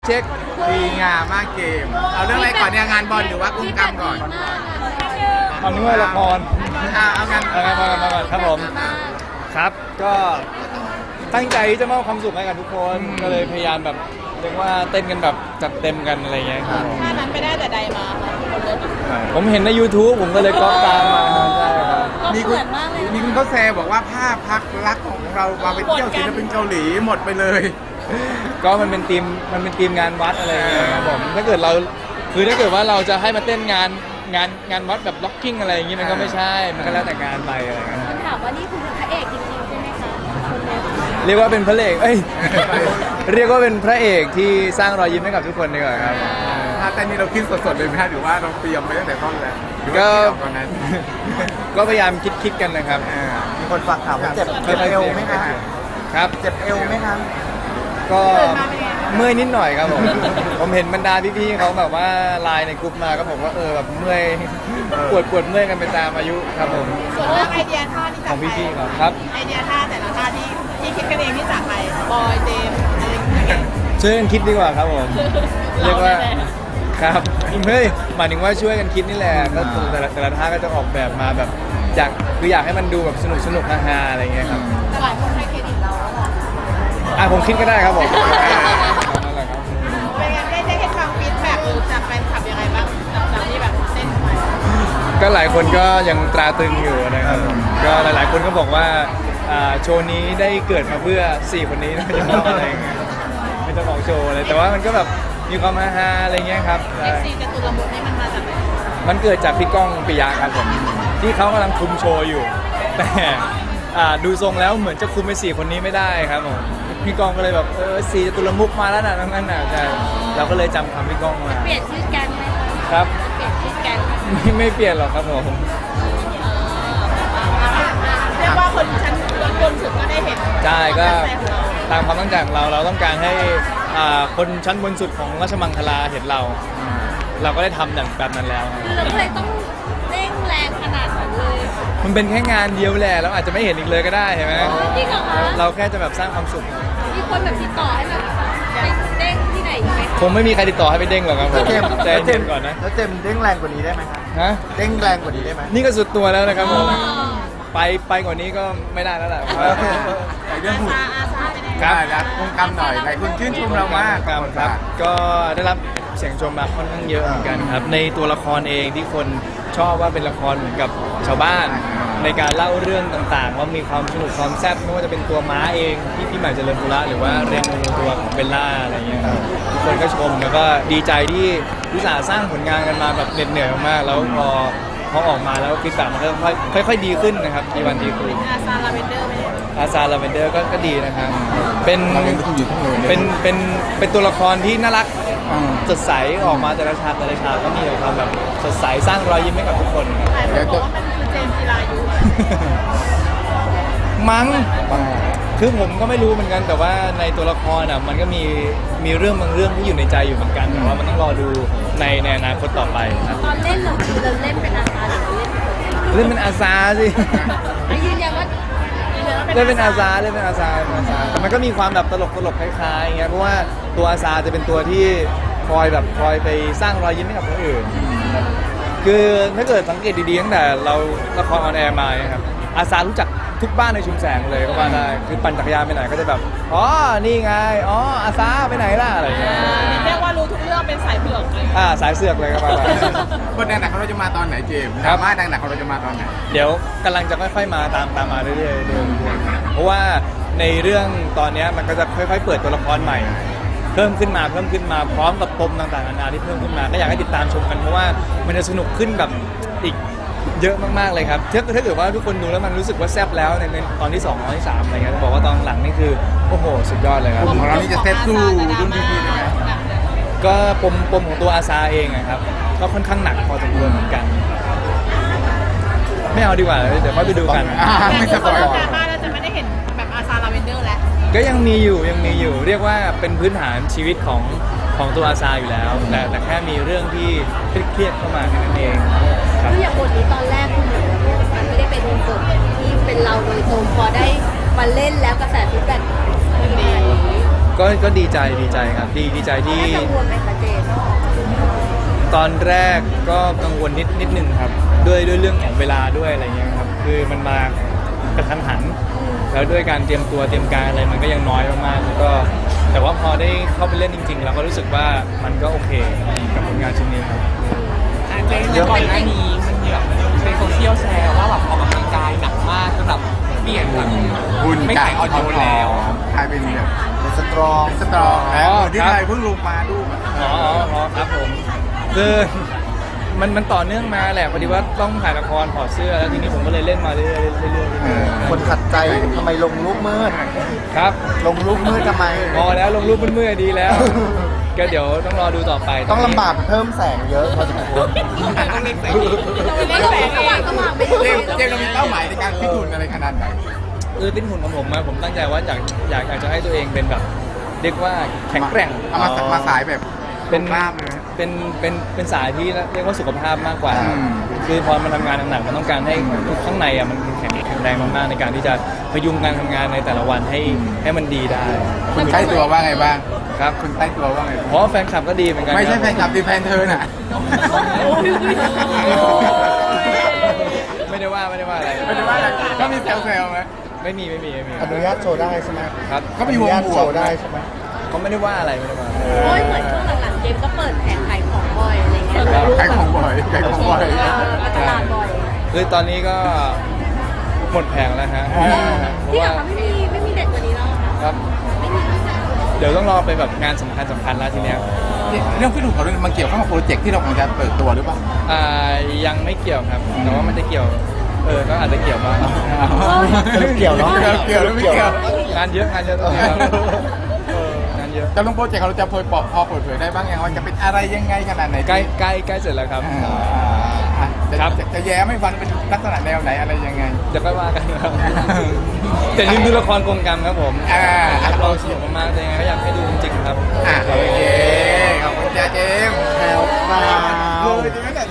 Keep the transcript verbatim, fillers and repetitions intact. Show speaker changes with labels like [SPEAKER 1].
[SPEAKER 1] เช็คดีงามมากเกมเอาเรื่องอะไรก่อนเนี่ยงานบอลหรือว่ากุ้งกรรมก่อน
[SPEAKER 2] เอาเนื้อละคร
[SPEAKER 1] อ่าเอางาน
[SPEAKER 2] เอางานมามาก่อนครับผมครับก็ตั้งใจที่จะมอบความสุขให้กับทุกคนก็เลยพยายามแบบเรียกว่าเต้นกันแบบจัดเต็มกันอะไรเงี้ยครับ
[SPEAKER 3] ท่านั้นไปได้แต่ใดมาค่ะคนเลิศ
[SPEAKER 2] ผมเห็นใน YouTube ผมก็เลยก๊อปตามมาใช่ครับ
[SPEAKER 3] ก็
[SPEAKER 1] มี
[SPEAKER 3] เห
[SPEAKER 1] คุณ
[SPEAKER 3] มือนมากเลย
[SPEAKER 1] มีคุณเขาแซวบอกว่าภาพพักรักของเรามาไปเที่ยวศิลปินเกาหลีหมดไปเลย
[SPEAKER 2] ก็มันเป็นทีมมันเป็นทีมงานวัดอะไรเงี้ยครับผมถ้าเกิดเราคือถ้าเกิดว่าเราจะให้มาเต้นงานงานงานวัดแบบล็อกกิ้งอะไรอย่างงี้มันก็ไม่ใช่มันก็แล้วแต่งานไปอะไรเงี้ย
[SPEAKER 3] ถามว่านี่คือพระเอกจริงๆใช่ไหมคะคนเลิศ
[SPEAKER 2] เรียกว่าเป็นพระเอกเอ้ย เรียกว่าเป็นพระเอกที่สร้างรอยยิ้มให้กับทุกคนดีกว่าครับ
[SPEAKER 1] ถ้าเต้นนี่เราคิดสดๆเลยไหมฮะหรือว่าเราเตรียมไปตั้งแต่ต้นแล้วหรือว่า
[SPEAKER 2] ก็
[SPEAKER 1] คิดออกตอนนั้น
[SPEAKER 2] ก็พยายามคิดคิดกันนะครับ
[SPEAKER 1] อ่า
[SPEAKER 4] มีคนฝากถามว่าเจ็บเจ็บเอวไหมคะ
[SPEAKER 2] ครับ
[SPEAKER 4] เจ็บเอวไหมคะ
[SPEAKER 2] ก็เมื่อยนิดหน่อยครับผม ผมเห็นบรรดาพี่ๆเขาแบบว่าไลน์ในกลุ่มมาก็บอกว่าเออแบบเมื่อยปวดปวดเมื่อยกันไปตามอายุครับผม
[SPEAKER 3] ส่วนเรื่องไอเดียท่าที่
[SPEAKER 2] ข
[SPEAKER 3] จา
[SPEAKER 2] อก ง
[SPEAKER 3] ใคร
[SPEAKER 2] พี่ๆเขาครับ
[SPEAKER 3] ไอเดียท่าแต่ละท่าที่ที่คิดกันเองที่จากใครบอยเจมส์อะไรอย่างเงี้ย
[SPEAKER 2] ช่วยกันคิดดีกว่าครับผม เรียกว่า
[SPEAKER 3] เราเนี่ยแหละ
[SPEAKER 2] ครับเฮ้ยหมายถึงว่าช่วยกันคิดนี่แหละก็แต่ละแต่ละท่าก็จะออกแบบมาแบบอยากคืออยากให้มันดูแบบสนุกสนุกฮาๆอะไรเงี้ยครับ
[SPEAKER 3] แต่หลายคนให้เครดิตเราอะ
[SPEAKER 2] อ่ะผมคิดก็ได้ครับผมนั่นแหละครับ
[SPEAKER 3] เป็นไงได้ได้เห็นฟังฟีดแบ็กหรือจากแฟนคลับยังไงบ้างจากที่แบบเต้นไป
[SPEAKER 2] ก็หลายคนก็ยังตราตรึงอยู่นะครับผมก็หลายๆ คนก็บอกว่าอ่าโชว์นี้ได้เกิดมาเพื่อสี่คนนี้นะจะบอกอะไรเงี้ยไม่ต้องบอกโชว์เลยแต่ว่ามันก็แบบมีความฮาๆอะไรเงี้ยครับ
[SPEAKER 3] เอ็กซีจตุรมุขนี่มันมาจากไหน
[SPEAKER 2] มันเกิดจากพี่ก้องปิยะครับผมที่เขากำลังคุมโชว์อยู่ แต่อ่าดูทรงแล้วเหมือนจะคุมไปสี่คนนี้ไม่ได้ครับผมพี่ก้องก็เลยแบบเออสี่จตุรมุขมาแล้วนะนั่นน่ะใช่เราก็เลยจำคำพี่ก้องมา
[SPEAKER 3] เปลี่ยนชื่อแก๊งไหมคะ
[SPEAKER 2] ครับ
[SPEAKER 3] เปลี่ยนชื่อแก๊งไหม
[SPEAKER 2] ไม่ไม่เปลี่ยนหรอกครับผม
[SPEAKER 3] เรียกว่าคนชั้นบนสุดก็ได้เห็น
[SPEAKER 2] ใช่ก็
[SPEAKER 3] ความตั้งใจของเรา
[SPEAKER 2] ตามความตั้งใจของเราเราต้องการให้อ่าคนชั้นบนสุดของราชมังคลาเห็นเรา เราก็ได้ทำอย่างแบบนั้นแล้ว
[SPEAKER 3] คือเราก็เลยต้องเร่งแรงขนาดนั้นเลย
[SPEAKER 2] มันเป็นแค่งานเดียวแหละเราอาจจะไม่เห็นอีกเลยก็ได้เห็นไหม
[SPEAKER 3] จริงเหรอคะ
[SPEAKER 2] เราแค่จะแบบสร้างความสุข
[SPEAKER 3] มีคนแบบติดต่อให้แบบไปเด้งที่ไหนอีกไหมคะ
[SPEAKER 2] คงไม่มีใครติดต่อให้ไปเด้งหรอกครับผม
[SPEAKER 4] แล้วเจมส์
[SPEAKER 2] ใจ
[SPEAKER 4] แล้วเจ
[SPEAKER 2] เย็
[SPEAKER 4] ม
[SPEAKER 2] น
[SPEAKER 4] ส์
[SPEAKER 2] ก่อนนะ
[SPEAKER 4] แล้วเจมส์เด้งแรงกว่านี้ได้ไหมคะ
[SPEAKER 2] ฮะ
[SPEAKER 4] เด้งแรงกว่านี้ได้ไหม
[SPEAKER 2] นี่ก็สุดตัวแล้วนะครับผม
[SPEAKER 3] อ๋อ
[SPEAKER 2] ไปไปกว่านี้ก็ไม่ได้แล้วแหละ
[SPEAKER 1] แต่เรื่องหุ่น
[SPEAKER 3] อาอาซาเป็นไง
[SPEAKER 1] ได้แล้วกุ้งกรรมหน่อยหลายคนชื่นชมเรามาก
[SPEAKER 2] ครับครับ ก็ได้รับเสียงชมมาค่อนข้างเยอะเหมือนกันครับ ในตัวละครเองที่คนชอบว่าเป็นละครเหมือนกับชาวบ้าน ในการเล่าเรื่องต่างๆ ว่ามีความสนุกความแซ่บไม่ว่าจะเป็นตัวม้าเองที่พี่ใหม่เจริญปุระหรือว่าเรียงตัวของเบลล่าอะไรเงี้ยครับทุกคนก็ชมแล้วก็ดีใจที่วิสาห์สร้างผลงานกันมาแบบเหน็ดเหนื่อยมากๆแล้วพอพอออกมาแล้วฟีดแบ็กมันก็ค่อยค่อยๆดีขึ้นนะครับดีวันดีคืน
[SPEAKER 3] อาซาลาเวนเดอร์ไหม
[SPEAKER 2] อาซาลาเวนเดอร์ก็ก็ดีนะครับเป็น
[SPEAKER 1] เรายังต้องอยู่ทั้งเลย
[SPEAKER 2] เป็นเป็นเป็นตัวละครที่น่ารัก
[SPEAKER 1] อืม
[SPEAKER 2] สดใสออกมาแต่ละฉากแต่ละฉากก็มีแต่ความแบบสดใสสร้างรอยยิ้มให้กับทุกคนครับ
[SPEAKER 3] หลายคนบอกว่ามันคือเจมส์จิรายุ
[SPEAKER 2] มั้งคือผมก็ไม่รู้เหมือนกันแต่ว่าในตัวละครอ่ะมันก็มีมีเรื่องบางเรื่องที่อยู่ในใจอยู่เหมือนกันแต่ว่ามันต้องรอดูในในอนาคตต่อไปครับ
[SPEAKER 3] ตอนเล่นเราคือเราเล่นเป็นอาซาหรือเราเล่นเป็น
[SPEAKER 2] เล่นเป็นอาซาสิ
[SPEAKER 3] ไม่ยืนยันว่ายืนยันว่า
[SPEAKER 2] เล่นเป็นอาซาเล่นเป็นอาซาเป็นอาซาแต่มันก็มีความแบบตลกตลกคล้ายๆอย่างเงี้ยเพราะว่าตัวอาซาจะเป็นตัวที่คอยแบบคอยไปสร้างรอยยิ้มให้กับคนอื่นครับคือถ้าเกิดสังเกตดีๆตั้งแต่เราละครออนแอร์มาเนี่ยครับอาซารู้จักทุกบ้านในชุมแสงเลยก็ว่าได้คือปั่นจักรยานไปไหนก็จะแบบอ๋อนี่ไงอ๋ออาซาไปไหนล่ะอะไรอย่างเงี้ย
[SPEAKER 3] เรียกว่ารู้ทุกเรื่องเป็นสายเผือกเลย
[SPEAKER 2] อ่าสายเสือกเลยก็ว่าได้
[SPEAKER 1] คนดังหนักของเราจะมาตอนไหนเจมส์
[SPEAKER 2] ครั
[SPEAKER 1] ด
[SPEAKER 2] บ
[SPEAKER 1] ราม่าดังหนักของเราจะมาตอนไหน
[SPEAKER 2] เดี๋ยวกำลังจะค่อยๆมาตามตามมาเรื่อยๆเรื่อยๆเพราะว่าในเรื่องตอนเนี้ยมันก็จะค่อยๆเปิดตัวละครใหม่ เพิ่มขึ้นมาเพิ่มขึ้นมาพร้อมกับปมต่างๆนานาที่เพิ่มขึ้นมาก็อยากให้ติดตามชมกันเพราะว่ามันจะสนุกขึ้นแบบอีกเยอะมากๆเลยครับถ้าถ้าเกิดว่าทุกคนดูแล้วมันรู้สึกว่าแซ่บแล้วในในตอนที่สองตอนที่สามอะไรเงี้ยจะบอกว่าตอนหลังนี่คือโอ้โหสุดยอดเลยครับ
[SPEAKER 1] กลุ่มของเรานี่จะเซฟสู้รุ่นพี่ๆเลยไหม
[SPEAKER 2] ก็ปมปมของตัวอาซาเองอะครับก็ค่อนข้างหนักพอสมควรเหมือนกัน ไม่เอาดีกว่าเดี๋ยวค่อยไปดูกัน
[SPEAKER 1] อ่า
[SPEAKER 3] แต่
[SPEAKER 1] ไม่
[SPEAKER 3] คื
[SPEAKER 1] ส
[SPEAKER 3] อ
[SPEAKER 1] ปอย
[SPEAKER 3] เรื่องดราม่าเราจะไม่ได้เห็นแบบอาซาลาเวนเดอร์แล้ว
[SPEAKER 2] ก็ยังมีอยู่ยังมีอยู่เรียกว่าเป็นพื้นฐานชีวิตของของตัวอาซาอยู่แล้วแต่แต่แค่มีเรื่องที่เครียดๆเข้ามาแค่นั้นเองครับ
[SPEAKER 3] คืออย่างบทนี้ตอนแรกคือเหมือนมันไม่ได้เป็นบทที่เป็นเราโดยตรงพอได้มาเล่นแล้วกระแสฟีดแบ็กดี
[SPEAKER 2] ก็ก็ดีใจดีใจครับดีดีใจที่
[SPEAKER 3] กังวลไหมคะเจมส์
[SPEAKER 2] ตอนแรกก็กังวลนิดนิดนึงครับด้วยด้วยเรื่องของเวลาด้วยอะไรเงี้ยครับคือมันมากระทันหัน แล้วด้วยการเตรียมตัวเตรียมการอะไรมันก็ยังน้อยมากๆแล้วก็แต่ว่าพอได้เข้าไปเล่นจริงๆเราก็รู้สึกว่ามันก็โอเคกับผลงานชิ้นนี้ครับ
[SPEAKER 5] เจนก่อนหน้านี้มันมีแบบในโซเชียลแชร์ว่าแบบออกกำลังกายหนักมากจนแบบเปลี่ยนแบบ
[SPEAKER 1] หุ่น
[SPEAKER 5] ไม่
[SPEAKER 1] กา
[SPEAKER 5] ขาย ยออดิโอแล้ว
[SPEAKER 1] กลายเป็นแบบ
[SPEAKER 4] เป็นสตรอง
[SPEAKER 1] สตรองแล้ว
[SPEAKER 2] อ๋อ
[SPEAKER 1] ที่
[SPEAKER 2] ครับ
[SPEAKER 1] ไทยเพิ่งลงมาดูอะ
[SPEAKER 2] อ๋ออ๋ออ๋อครับผมคือมันมันต่อเนื่องมาแหละพอดีว่าต้องถ่ายละครถอดเสื้อแล้วทีนี้ผมก็เลยเล่นมาเรื่อยๆเรื่อยๆเรื่อยๆ
[SPEAKER 4] คนขัดใจทำไมลงรูปมืด
[SPEAKER 2] ครับ
[SPEAKER 4] ลงรูปมืดทำไม
[SPEAKER 2] พอแล้วลงรูปเมื่อยๆดีแล้ว ก็เดี๋ยวต้องรอดูต่อไป
[SPEAKER 4] ต้องลำบากเพิ่มแสงเยอะพอสมควร
[SPEAKER 5] ต้องเล่นแสง
[SPEAKER 3] เราเล่นแสงสว่างสว่างไป
[SPEAKER 1] เจมส์เจมส์เรามีเป้าหมายในการฟิตหุ่นอะไรขนาดไหน
[SPEAKER 2] คือติ้นหุ่นของผมมาผมตั้งใจว่าอยากอยากอยากจะให้ตัวเองเป็นแบบเรียกว่าแข็งแกร่ง
[SPEAKER 1] เอามามาสายแบบ
[SPEAKER 2] เป็น
[SPEAKER 1] กล้ามเลย
[SPEAKER 2] เป็นเป็นเป็นสายที่เรียกว่าสุขภาพมากกว่า
[SPEAKER 1] อืม
[SPEAKER 2] คือพอมันทำงานหนักๆมันต้องการให้ทุกข้างในอ่ะมันแข็งแข็งแรงมากๆในการที่จะพยุงการทำงานในแต่ละวันให้ให้มันดีได้
[SPEAKER 1] คุณใกล้ตัวว่าไงบ้าง
[SPEAKER 2] ครับ
[SPEAKER 1] คุณใกล้ตัวว่าไง
[SPEAKER 2] เพราะว่าแฟนคลับก็ดีเหมือนกัน
[SPEAKER 1] ไม่ใช่
[SPEAKER 2] ครับ
[SPEAKER 1] แฟนคลับดีแฟนเธอน่ะ
[SPEAKER 2] ไม่ได้ว่าไม่ได้ว่าอะไร
[SPEAKER 1] ไม่ได้ว่าอะไรก็มีแซวๆไหม
[SPEAKER 2] ไม่มีไม่มีไม่มี
[SPEAKER 4] อนุญาตโชว์ได้ใช่ไหม
[SPEAKER 2] ครับ
[SPEAKER 1] เขามี
[SPEAKER 4] อ
[SPEAKER 1] ว
[SPEAKER 4] นุ
[SPEAKER 1] ง
[SPEAKER 4] ญาต
[SPEAKER 1] บว
[SPEAKER 4] โช
[SPEAKER 1] ก
[SPEAKER 4] ว์ได้ใช่ไหม
[SPEAKER 2] เขาไม่ได้ว่าอะไรไม่ได้ว่าอะไร
[SPEAKER 3] โอ้ยเหมือนช่วงหลังๆเจมส์ก็เปิดแผงขายของบ่อยอะไรเงี้ย
[SPEAKER 1] ขายของบ่อยขายของบ่อย
[SPEAKER 3] ตลาดบ่อย
[SPEAKER 2] คือตอนนี้ก็หมดแผงแล้วฮะเพราะ
[SPEAKER 3] ที่หลั
[SPEAKER 2] ว่าง
[SPEAKER 3] เขาไม่มีไม่มีเด็ดกว่านี้แล้วเหรอคะ
[SPEAKER 2] ครับ เดี๋ยวต้องรอไปแบบงานสำคัญสำคัญแล้วทีเนี้ย
[SPEAKER 1] เรื่องฟิตหุ่นของเรามันเกี่ยวข้องกับโปรเจกต์ที่เรากำลังจะเปิดตัวหรือเปล่า
[SPEAKER 2] อ่ายังไม่เกี่ยวครับ แต่ว่ามันจะเกี่ยว เออก็อาจจะเกี่ยวบ้าง
[SPEAKER 4] สรุปเกี่ยวเนาะ
[SPEAKER 1] เกี่ยวหรือไม่เกี่ยว
[SPEAKER 2] งานเยอะงานเยอะตอนนี้ครับเอองานเยอะ
[SPEAKER 1] จะลงโปรเจกต์ของเราจะเผยปอกพอเปิดเผยได้บ้างยังว่าจะเป็นอะไรยังไงขนาดไหน
[SPEAKER 2] ใกล้ใกล้ใกล้เสร็จแล้วครับ
[SPEAKER 1] อ่าอ่ะจะ
[SPEAKER 2] ครับ
[SPEAKER 1] จะจะแย้มให้ฟังเป็นลักษณะแนวไหนอะไรยังไง
[SPEAKER 2] เดี๋ยวค่อยว่ากันครับแต่นี่ดูละครกรงกรรมครับผม
[SPEAKER 1] อ่า
[SPEAKER 2] รับรองสนุกมากๆแต่ยังไงก็อยากให้ดูจริงๆครับ